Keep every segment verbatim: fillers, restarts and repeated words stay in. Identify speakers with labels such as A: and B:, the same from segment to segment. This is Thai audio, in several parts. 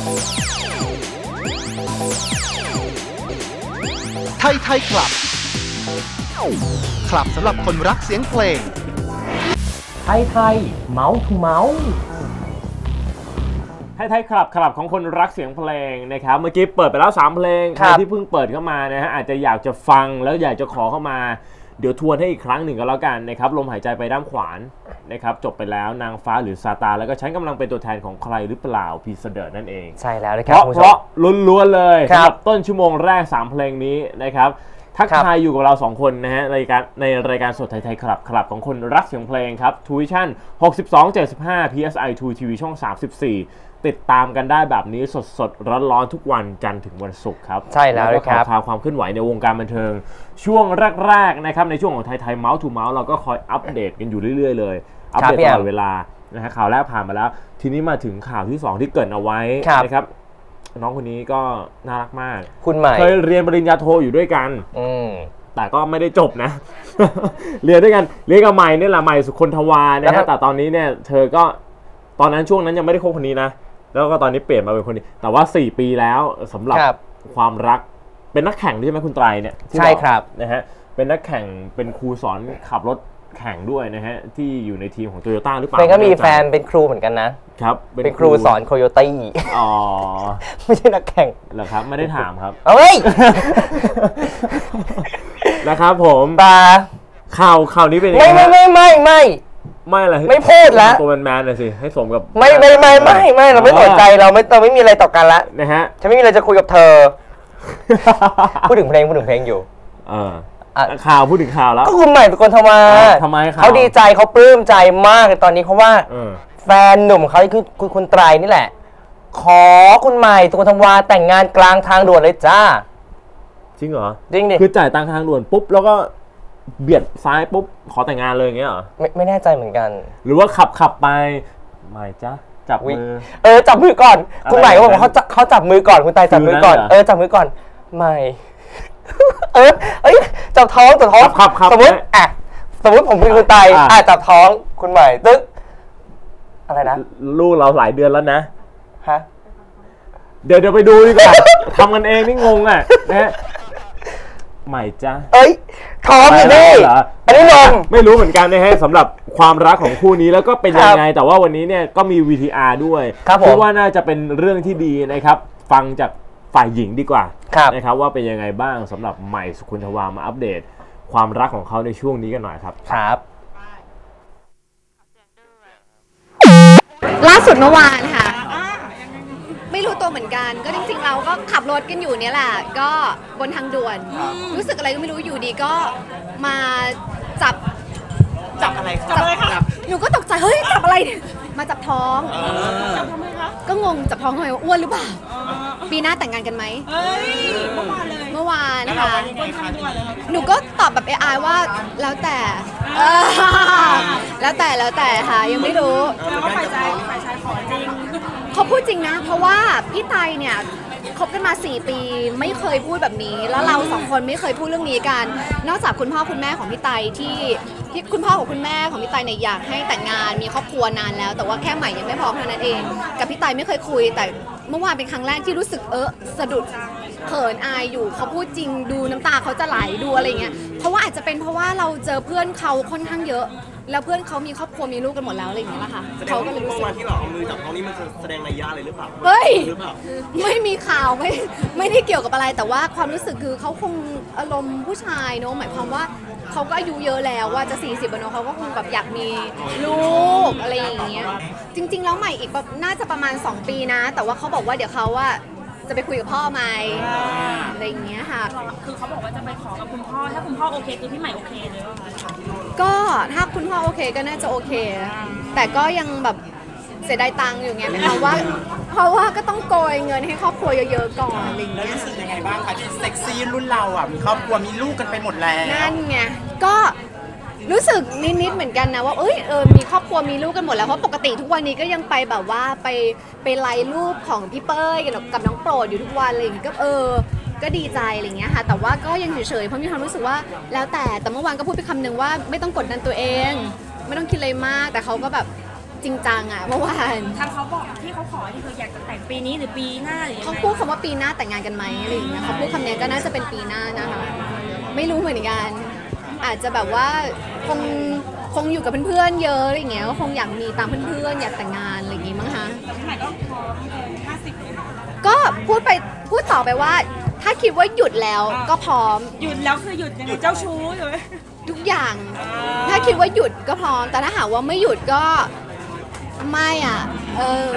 A: ไทยไทยคลับคลับสำหรับคนรักเสียงเพลง
B: ไทยไทยเมาส์ทูเมาส์
C: ไทยไทยคลับคลับของคนรักเสียงเพลงนะครับเมื่อกี้เปิดไปแล้วสามเพลงใครที่เพิ่งเปิดเข้ามานะฮะอาจจะอยากจะฟังแล้วอยากจะขอเข้ามาเดี๋ยวทวนให้อีกครั้งหนึ่งก็แล้วกันนะครับลมหายใจไปด้านขวานนะครับจบไปแล้วนางฟ้าหรือซาตานแล้วก็ฉันกำลังเป็นตัวแทนของใครหรือเปล่าพีเสเดอร์นั่นเอง
B: ใช่แล้วนะครับ
C: เพราะล้วนๆเลยสำหรับต้นชั่วโมงแรกสามเพลงนี้นะครับทักทายอยู่กับเราสองคนนะฮะรายการในรายการสดไทยไทยคลับคลับของคนรักเสียงเพลงครับทูวิชั่นหกสิบสอง เจ็ดสิบห้า พี เอส ไอ ทู ที วี ช่องสามสิบสี่ติดตามกันได้แบบนี้สดสดร้อนๆทุกวันจันทร์ถึงวันศุกร์ครับ
B: ใช่แล้วครับ
C: ข่าวความเคลื่อนไหวในวงการบันเทิงช่วงแรกๆนะครับในช่วงของไทยไทยเมาส์ทูเมาส์เราก็คอยอัปเดตกันอยู่เรื่อยๆเลยอัปเดตตลอดเวลานะฮะข่าวแรกผ่านมาแล้วทีนี้มาถึงข่าวที่สองที่เกริ่นเอาไว้นะครับน้องคนนี้ก็น่ารักมาก
B: คุณใหม่
C: เคยเรียนปริญญาโทอยู่ด้วยกัน
B: อืม
C: แต่ก็ไม่ได้จบนะ เรียนด้วยกันเรียนกับใหม่นี่แหละใหม่สุคนทวานะฮะแต่ตอนนี้เนี่ยเธอก็ตอนนั้นช่วงนั้นยังไม่ได้คบคนนี้นะแล้วก็ตอนนี้เปลี่ยนมาเป็นคนนี้แต่ว่าสี่ปีแล้วสำหรับความรักเป็นนักแข่งใช่ไหมคุณไตรเนี่ย
B: ใช่ครับ
C: นะฮะเป็นนักแข่งเป็นครูสอนขับรถแข่งด้วยนะฮะที่อยู่ในทีมของโตโยต้าหรือเปล่า
B: เป็นก็มีแฟนเป็นครูเหมือนกันนะครับเป็นครูสอนโคโยตี้
C: อ๋อ
B: ไม่ใช่นักแข่ง
C: เหรอครับไม่ได้ถามครับ
B: เอ้ย
C: นะครับผม
B: ปา
C: ข่าวข่าวนี้เป็นยังไง
B: ไม่ไม่ไม่ไม่
C: ไม่อะไร
B: ไม่พูดแล้ว
C: ตัวแมนๆเลยสิให้สมกับ
B: ไม่ไม่ไม่ไม่ไม่เราไม่สนใจเราไม่เราไม่มีอะไรต่อกันละ
C: นะฮะ
B: ฉันไม่มีอะไรจะคุยกับเธอพูดถึงเพลงพูดถึงเพลงอยู่
C: เออข่าวพูดถึงข่าวแล้ว
B: ก็คุณใหม่เป็นคนทำมา
C: ทำไม
B: เขาดีใจเขาปลื้มใจมากในตอนนี้เพราะว่าแฟนหนุ่มเขาคือคุณคุณไตรนี่แหละขอคุณใหม่ตัวทวาแต่งงานกลางทางด่วนเลยจ้า
C: จริงเหรอ
B: จริงดิ
C: คือจ่ายตังค์ทางด่วนปุ๊บแล้วก็เบียดซ้ายปุ๊บขอแต่งงานเลยอย่างเงี้ยเหรอ
B: ไม่ไม่แน่ใจเหมือนกัน
C: หรือว่าขับขับไปใหม่จ้าจับมือ
B: เออจับมือก่อนคุณใหม่ก็บอกว่าเขาเขาจับมือก่อนคุณไตรจับมือก่อนเออจับมือก่อนใหม่เออเอ้ยจับท้องจับท้องสมมติอ่ะสมมติผมเป็นคุณไตรอ่ะจับท้องคุณใหม่ตึ๊กอะไรนะ
C: ลูกเราหลายเดือนแล้วนะ
B: ฮะ
C: เดี๋ยวเดี๋ยวไปดูดีกว่าทำกันเองนี่งงอ่ะนะใหม่จ้า
B: เอ้ยท้องอยู่นี่อันนี้นม
C: ไม่รู้เหมือนกันนะฮะสำหรับความรักของคู่นี้แล้วก็เป็นยังไงแต่ว่าวันนี้เนี่ยก็มี วี ที อาร์ ด้วยคิดว่าน่าจะเป็นเรื่องที่ดีนะครับฟังจากฝ่ายหญิงดีกว่านะครับว่าเป็นยังไงบ้างสำหรับใหม่สุคนทวามาอัปเดตความรักของเขาในช่วงนี้กันหน่อยครับ
B: ครับ
D: ล่าสุดเมื่อวานค่ะไม่รู้ตัวเหมือนกันก็จริงๆเราก็ขับรถกันอยู่เนี่ยแหละก็บนทางด่วนรู้สึกอะไรก็ไม่รู้อยู่ดีก็มาจับ
E: จับอะไรจับอะไรครับ
D: หนูก็ตกใจเฮ้ยจับอะไรมาจับท้อง
E: จับทำไมคะ
D: ก็งงจับท้องทำไมอ้วนหรือเปล่าปีหน้าแต่งงานกันไหม
E: เฮ้ยเมื่อวานเลย
D: เมื่อวานนะคะหนูก็ตอบแบบเอไอว่าแล้วแต่แล้วแต่แล้วแต่ค่ะยังไม่รู้
E: แล้วฝ่ายชายฝ่ายชายขอจริง
D: เขาพูดจริงนะเพราะว่าพี่ไตเนี่ยคบกันมาสี่ปีไม่เคยพูดแบบนี้แล้วเราสองคนไม่เคยพูดเรื่องนี้กันนอกจากคุณพ่อคุณแม่ของพี่ไตที่ที่คุณพ่อของคุณแม่ของพี่ไตเนี่ยอยากให้แต่งงานมีครอบครัวนานแล้วแต่ว่าแค่ใหม่ยังไม่พร้อมเท่านั้นเองกับพี่ไตไม่เคยคุยแต่เมื่อวานเป็นครั้งแรกที่รู้สึกเออสะดุดเขินอายอยู่เขาพูดจริงดูน้ำตาเขาจะไหลดูอะไรเงี้ยเพราะว่าอาจจะเป็นเพราะว่าเราเจอเพื่อนเขาค่อนข้างเยอะแล้วเพื่อนเขามีครอบครัวมีลูกกันหมดแล้วอะไรอย่างเงี้ยละค่ะ
E: เขาก็เลยรู้สึกว่าที่เราเอามือจับท้องนี้มันแสดงนัยยะอะไรหรือเปล่า
D: เฮ้ยไม่มีข่าวไม่ไม่ได้เกี่ยวกับอะไรแต่ว่าความรู้สึกคือเขาคงอารมณ์ผู้ชายเนอะหมายความว่าเขาก็อายุเยอะแล้วว่าจะสี่สิบแล้วเนอะเขาก็คงแบบอยากมีลูกอะไรอย่างเงี้ยจริงๆแล้วใหม่อีกแบบน่าจะประมาณสองปีนะแต่ว่าเขาบอกว่าเดี๋ยวเขาว่าจะไปคุยกับพ่อไหมอะไรอย่างเงี้ยค่ะ
E: คือเขาบอกว่าจะไปขอกับคุณพ่อถ้าคุณพ่อโอเคคือพี่ใหม่โอเคเลย
D: ก็ถ้าคุณพ่อโอเคก็น่าจะโอเคแต่ก็ยังแบบเสียดายตังค์อยู่ไงเพราะว่าเพราะว่าก็ต้องโกยเงินให้ครอบครัวเยอะๆก่อนอะไรอย่างเงี้ย
E: รู้สึกยังไงบ้างคะที่เซ็กซี่รุ่นเราอ่ะมีครอบครัวมีลูกกันไปหมดแล้ว
D: นั่นไงก็รู้สึกนิดๆเหมือนกันนะว่าเอ้ยเออมีครอบครัวมีลูกกันหมดแล้วเพราะปกติทุกวันนี้ก็ยังไปแบบว่าไปไปไลน์รูปของพี่เป้ยกับน้องโปรดอยู่ทุกวันอะไรอย่างเงี้ยก็เออก็ดีใจอะไรอย่างเงี้ยค่ะแต่ว่าก็ยังเฉยๆเพราะมีความรู้สึกว่าแล้วแต่แต่เมื่อวานก็พูดไปคำนึงว่าไม่ต้องกดดันตัวเองไม่ต้องคิดอะไรมากแต่เขาก็แบบจริงจังอะเมื่อวาน
F: ทางเขาบอกที่เขาขอที่คืออยากจะแต่งปีนี้หรือปีหน้าหรือยัง
D: เขา
F: ไง
D: พูดคำว่าปีหน้าแต่งงานกันไหมอะไรอย่างเงี้ยเขาพูดคำนี้ก็น่าจะเป็นปีหน้านะคะไม่รู้เหมือนกันอาจจะแบบว่าคงคงอยู่กับเพื่อนๆเยอะอะไรอย่างเงี้ยก็คงอยากมีตามเพื่อนๆอยากแต่งงานอะไรอย่างงี้มั้งคะ
F: แต่พี่ใหม่ก็พร้อมเกินห้าสิบเลยนะ
D: ก็พูดไปพูดต่อไปว่า ถ้าคิดว่าหยุดแล้วก็พร้อม
F: หยุดแล้วคือหยุดยังไงเจ้าชู้ใช่ไหม
D: ทุกอย่าง ถ้าคิดว่าหยุดก็พร้อม แต่ถ้าหากว่าไม่หยุดก็ไม่อ่ะ เออ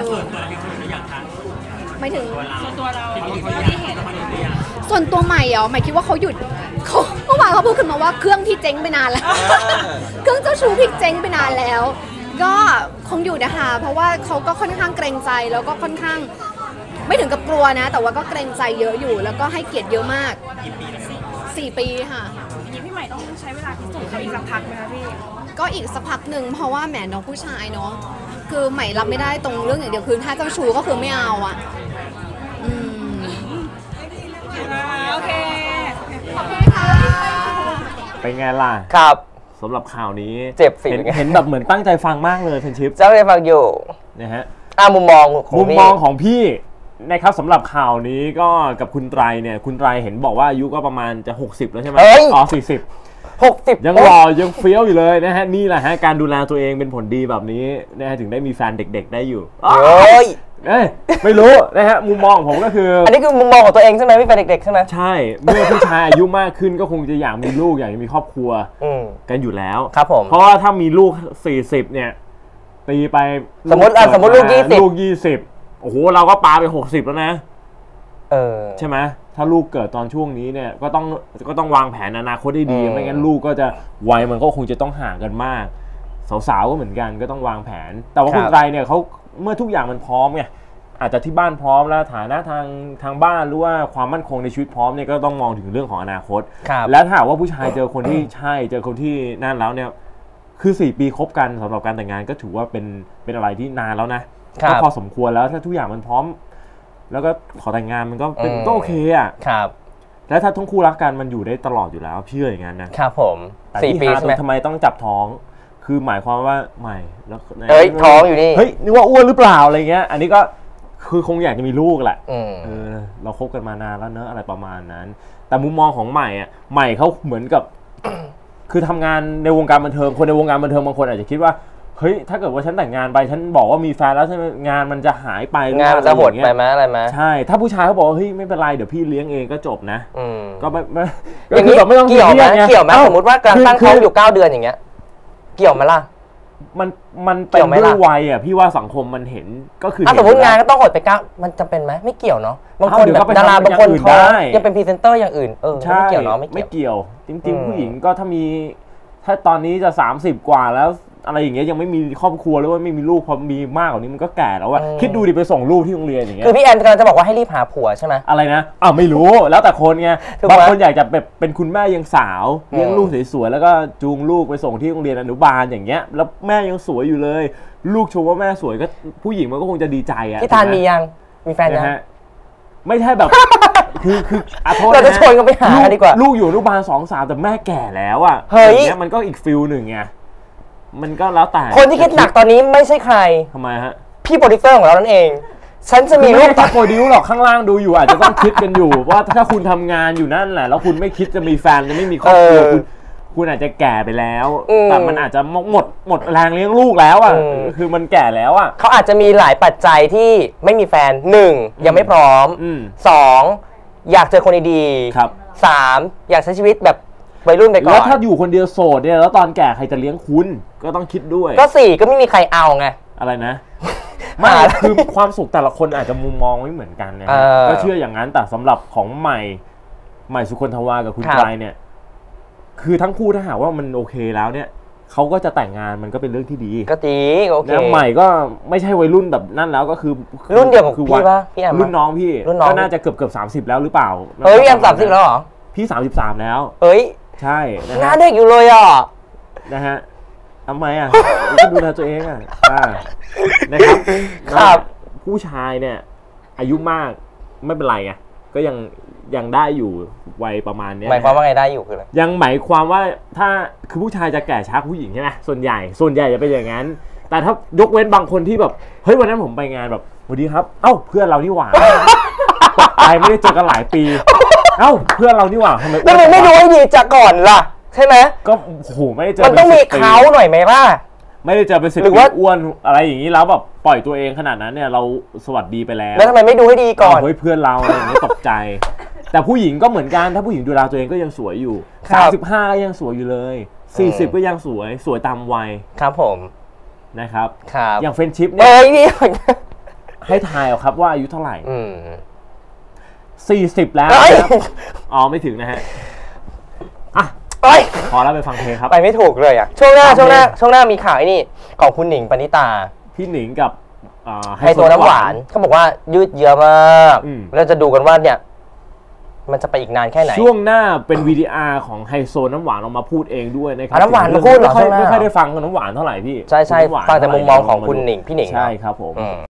D: ไม่ถึง
F: ส่วนตัวเราที่เห็น
D: ส่วนตัวใหม่เหรอใหม่คิดว่าเขาหยุดเขาเมื่อวานเขาพูดขึ้นมาว่าเครื่องพี่เจ๊งไปนานแล้ว เครื่องเจ้าชู้พี่เจ๊งไปนานแล้ว ก็คงอยู่นะคะ เพราะว่าเขาก็ค่อนข้างเกรงใจแล้วก็ค่อนข้าง ไม่ถึงกับกลัวนะ แต่ว่าก็เกรงใจเยอะอยู่ แล้วก็ให้เกียรติเยอะมากสี่ปีค่ะ
F: อย่างนี้พี่ใหม่ต้องใช้เวลาพิสูจน์เขาอีกสักพักไหมคะพี่
D: ก็อีกสักพักหนึ่งเพราะว่าแหมน้องผู้ชายเนาะคือใหม่รับไม่ได้ตรงเรื่องอย่างเดียวคือถ้าเจ้าชู้ก็คือไม่เอาอ่ะอืม
F: โอเค
D: ขอบคุณค่ะ
C: เป็นไงล่ะ
B: ครับ
C: สำหรับข่าวนี้
B: เจ็บสิ
C: เห็นเห็นแบบเหมือนตั้งใจฟังมากเลยเฟนชิป
B: เจ้าไปฟังอยู่
C: นะฮะ
B: อ่ามุมมองของ
C: มุม
B: พี่
C: มองของพี่นะครับสำหรับข่าวนี้ก็กับคุณไตรเนี่ยคุณไตรเห็นบอกว่าอายุก็ประมาณจะหกสิบแล้วใช่ไหม
B: เฮ้ย
C: อ๋อสี่สิบ
B: หกสิบ
C: ยังหล่อยังเฟี้ยวอยู่เลยนะฮะนี่แหละฮะการดูแลตัวเองเป็นผลดีแบบนี้นะฮะถึงได้มีแฟนเด็กๆได้อยู่
B: เฮ้ย
C: เอ้ยไม่รู้นะฮะมุมมองของผมก็คือ
B: อันนี้คือมุมมองของตัวเองใช่ไหมพี่เป็นเด็กๆใช่ไหม
C: ใช่เมื่อผู้ชายอายุมากขึ้นก็คงจะอยากมีลูกอยากจะมีครอบครัว
B: อืม
C: กันอยู่แล้ว
B: ครับผม
C: เพราะว่าถ้ามีลูกสี่สิบเนี่ยตีไป
B: สมมุติอ่ะสมมุติลูกยี่สิบ
C: ลูกยี่สิบโอ้โหเราก็ปาไปหกสิบแล้วนะ
B: เออ
C: ใช่ไหมถ้าลูกเกิดตอนช่วงนี้เนี่ยก็ต้องก็ต้องวางแผนอนาคตให้ดี
B: อืม
C: ไม่งั้นลูกก็จะวัยมันก็คงจะต้องห่างกันมากสาวๆก็เหมือนกันก็ต้องวางแผน แต่ว่าคุณไตรเนี่ยเขาเมื่อทุกอย่างมันพร้อมไงอาจจะที่บ้านพร้อมแล้วฐานะทางทางบ้านหรือว่าความมั่นคงในชีวิตพร้อมเนี่ยก็ต้องมองถึงเรื่องของอนาคต
B: ครับ
C: และถ้าหากว่าผู้ชายเจอคนที่ใช่เจอคนที่นั่นแล้วเนี่ยคือสี่ปีคบกันสำหรับการแต่งงานก็ถือว่าเป็นเป็นอะไรที่นานแล้วนะครับ ก็พอสมควรแล้วถ้าทุกอย่างมันพร้อม แล้วก็ขอแต่งงานมันก็เป็น
B: อืม
C: ก็โอเคอ่ะ
B: ครับ
C: แล้วถ้าทั้งคู่รักกันมันอยู่ได้ตลอดอยู่แล้วพี่เชื่ออย่างนั้นนะครับ
B: ผม
C: แต่
B: สี่
C: ที่
B: ปี
C: หา
B: ใช่ไหม
C: ทำไมต้องจับท้อง คือหมายความว่าใหม่แล้ว
B: เอ้ยท้องอยู่นี่
C: เฮ้ยนึกว่าอ้วนหรือเปล่าอะไรเงี้ยอันนี้ก็คือคงอยากจะมีลูกแหละ
B: อืม
C: เออเราคบกันมานานแล้วเนอะอะไรประมาณนั้น แต่มุมมองของใหม่อ่ะใหม่เขาเหมือนกับ คือทำงานในวงการบันเทิงคนในวงการบันเทิงบางคนอาจจะคิดว่าเฮ้ยถ้าเกิดว่าฉันแต่งงานไปฉันบอกว่ามีแฟนแล้วใช่ไหมงานมันจะหายไปหรือง
B: านมันจะหด
C: อรอย่าง
B: ไป
C: เงี้ย
B: ไหมอะไรไหม
C: ใช่ถ้าผู้ชายเขาบอกว่าเฮ้ยไม่เป็นไรเดี๋ยวพี่เลี้ยงเองก็จบนะ
B: อืม
C: ก็ไม่ไม่
B: อย่างนี้
C: ก็คืแบบไม่ต้อง
B: เกี่ยวไหม
C: ซีรีสง
B: เกี่ยวไหม
C: อ้
B: สมมติว่ากำลังตั้ง
C: คื
B: ท้องอยู่เก้าเดือนอย่างเงี้ย เกี่ยวไหมล่ะ
C: มันมัน
B: เกี่
C: เป็น
B: ยวไหม
C: ด้ว
B: ล่ะ
C: ยวัยอ่ะพี่ว่าสังคมมันเห็นก็คือ
B: ถ้า
C: เห็
B: สมมติ
C: อยู่
B: งาน
C: แล้ว
B: ก็ต้องหดไปเก้ามันจำเป็นไหมไม่เกี่ยวเนาะบางคน
C: อ้าวเดี๋ยว
B: แบ
C: ก็
B: บ
C: ไป
B: ดารา
C: ทำ
B: บางคน
C: อย่างอื่น
B: ท้อง
C: ได้
B: ยังเป็นพรีเซนเตอร์อย่างอื่นเออ
C: ใช่
B: ไม่เกี่ยวเนาะไม่เกี่ยว
C: เกี่ยว จริง
B: อืม
C: ๆ ผู้หญิงก็ถ้ามี ถ้าตอนนี้จะสามสิบกว่าแล้วอะไรอย่างเงี้ยยังไม่มีครอบครัวหรือว่าไม่มีลูกพอมีมากกว่านี้มันก็แก่แล้วอะคิดดูดิไปส่งลูกที่โรงเรียนอย่างเงี้ย
B: คือพี่แอนกำลังจะบอกว่าให้รีบหาผัวใช่ไหม
C: อะไรนะอ้าวไม่รู้แล้วแต่คนไง
B: ถูกไหม
C: บางคนอยากจะแบบเป็นคุณแม่ยังสาวเลี้ยง
B: อืม
C: ลูกสวยๆแล้วก็จูงลูกไปส่งที่โรงเรียนอนุบาลอย่างเงี้ยแล้วแม่ยังสวยอยู่เลย ลูกชมว่าแม่สวยก็ผู้หญิงมันก็คงจะดีใจอะ
B: พี่ทาน
C: ถูกไห
B: มียังมีแฟนยัง
C: นะฮะไม่ใช่แบบ คือคืออ่ะโทษ
B: เราจะ
C: น
B: ชวนกันไปหากันดีกว่า
C: ลูกอยู่อนุบาลสองสามแต่แม่แก่แล้วอ่ะ
B: เฮ้ย
C: อย่างเงี้ยมันก็อีกฟิลหนึ่งไงมันก็แล้วแต่
B: คนที่คิดหนักตอนนี้ไม่ใช่ใคร
C: ทำไมฮะ
B: พี่โปรดิวเซอร์ของเรานั่นเอง ฉันจะมี
C: มี
B: ลู
C: ลู
B: ก
C: กตาโปรดิวหรอกข้างล่างดูอยู่อาจจะต้องคิดกันอยู่ ว่าถ้าคุณทำงานอยู่นั่นแหละแล้วคุณไม่คิดจะมีแฟนจะไม่มีครอบครัวคุณคุณอาจจะแก่ไปแล้ว แต่มันอาจจะหมดหมดแรงเลี้ยงลูกแล้วอ่ะคือมันแก่แล้วอ่ะ
B: เขาอาจจะมีหลายปัจจัยที่ไม่มีแฟนหนึ่งยังไม่พร้อม
C: อืม
B: สองอยากเจอคนดี
C: ครับ
B: ๆสามอยากใช้ชีวิตแบบวัยรุ่นไปก่อน
C: แล้วถ้าอยู่คนเดียวโสดเนี่ยแล้วตอนแก่ใครจะเลี้ยงคุณก็ต้องคิดด้วย
B: ก็สี่ก็ไม่มีใครเอาไง
C: อะไรนะ ไม่
B: หา
C: คือความสุขแต่ละคนอาจจะมุมมองไม่เหมือนกันนะ
B: เอ
C: ฮะ
B: อ
C: ก็เชื่ออย่างนั้นแต่สำหรับของใหม่ใหม่สุคนทวากับคุณ
B: ครับ
C: ไตรเนี่ย คือทั้งคู่ถ้าหากว่ามันโอเคแล้วเนี่ยเขาก็จะแต่งงานมันก็เป็นเรื่องที่ดี
B: ก็ดีโอเค
C: แล้วใหม่ก็ไม่ใช่วัยรุ่นแบบนั่นแล้วก็คือ
B: รุ่นเดียวกับ
C: คือ
B: พี่ปะพี่แอมปะ
C: รุ่นน้องพี่
B: รุ่นน้อง
C: ก็น่าจะเกือบเกือบสามสิบแล้วหรือเปล่า
B: เฮ้ยพี่แอมสามสิบแล้วเหรอ
C: พี่สามสิบสามแล้ว
B: เฮ้ย
C: ใช่นะ
B: หน้า
C: ฮะ
B: เด็กอยู่เลยอ่ะ
C: นะฮะทำไมอ่ะ ก็ดูแลตัวเองอ่ะอ่านะครับ
B: ครับ
C: ผู้ชายเนี่ย อายุมากไม่เป็นไรไงก็ยังยังได้อยู่วัยประมาณเนี้ย
B: หมายความว่าไงได้อยู่คืออะไร
C: ยังหมายความว่าถ้าคือผู้ชายจะแก่ช้ากว่าผู้หญิงใช่ไหมส่วนใหญ่ส่วนใหญ่จะเป็นอย่างนั้นแต่ถ้ายกเว้นบางคนที่แบบเฮ้ยวันนั้นผมไปงานแบบสวัสดีครับเอ้าเพื่อนเรานี่หว่าตกใจไม่ได้เจอกันหลายปีเอ้าเพื่อนเรานี่หว่าทำไม
B: แล้วมันไม่ดูให้ดีจากก่อนล่ะใช่ไหม
C: ก็โอ้โหไม่ได้เจอ
B: มันต้องมีเขาหน่อยไหมล่ะ
C: ไม่ได้เจอเป็นสิบ
B: หรือ
C: ปี
B: ว่า
C: อ้วนอะไรอย่างนี้แล้วแบบปล่อยตัวเองขนาดนั้นเนี่ยเราสวัสดีไปแล้ว
B: แล้วทำไมไม่ดูให้ดีก่อน
C: เฮ้ยเพื่อนเราอะไรอย่างนี้ตกใจ แต่ผู้หญิงก็เหมือนกันถ้าผู้หญิงดูแลตัวเองก็ยังสวยอยู่
B: ครั
C: สาม
B: บ
C: สิบห้าก็ยังสวยอยู่เลยสี่สิบก็ยังสวยสวยตามวัย
B: ครับผม
C: นะครับ
B: ครับ
C: อย่างเฟรนชิพ
B: เอ้
C: เนี่ย
B: ยนี่
C: ให้ทายเอาครับว่าอายุเท่าไหร่
B: อืม
C: สี่สิบแล้ว
B: เอ้ย
C: นะครับอ๋อไม่ถึงนะฮะอ่ะ
B: เอ้ย
C: พอแล้วไปฟังเพลงครับ
B: ไปไม่ถูกเลยอ่ะช่วงหน้า
C: ฟังเพลง
B: ช่วงหน้าช่วงหน้ามีข่าวไอ้นี่ของคุณหนิงปณิตา
C: พี่หนิงกับอ่า
B: ไฮโซน้ำหวานเขาบอกว่ายืดเยื้อมาก
C: อืม
B: เราจะดูกันว่าเนี่ยมันจะไปอีกนานแค่ไหน
C: ช่วงหน้าเป็นวีดีอาร์ของไฮโซน้ำหวานออกมาพูดเองด้วยนะครั
B: อ่ะน้ำหวานมาพูดเหรอ
C: ไม่ค่อย
B: ช่วงหน้า
C: ไม่ค่อยได้ฟังกับน้ำหวานเท่าไหร่พี่
B: ใช่ใช่
C: น้ำหวาน
B: ฟังแต่มุมมองของ
C: เท่าไหร่
B: คุณหนิงพี่หนิง
C: ใช่ครับผม
B: อืม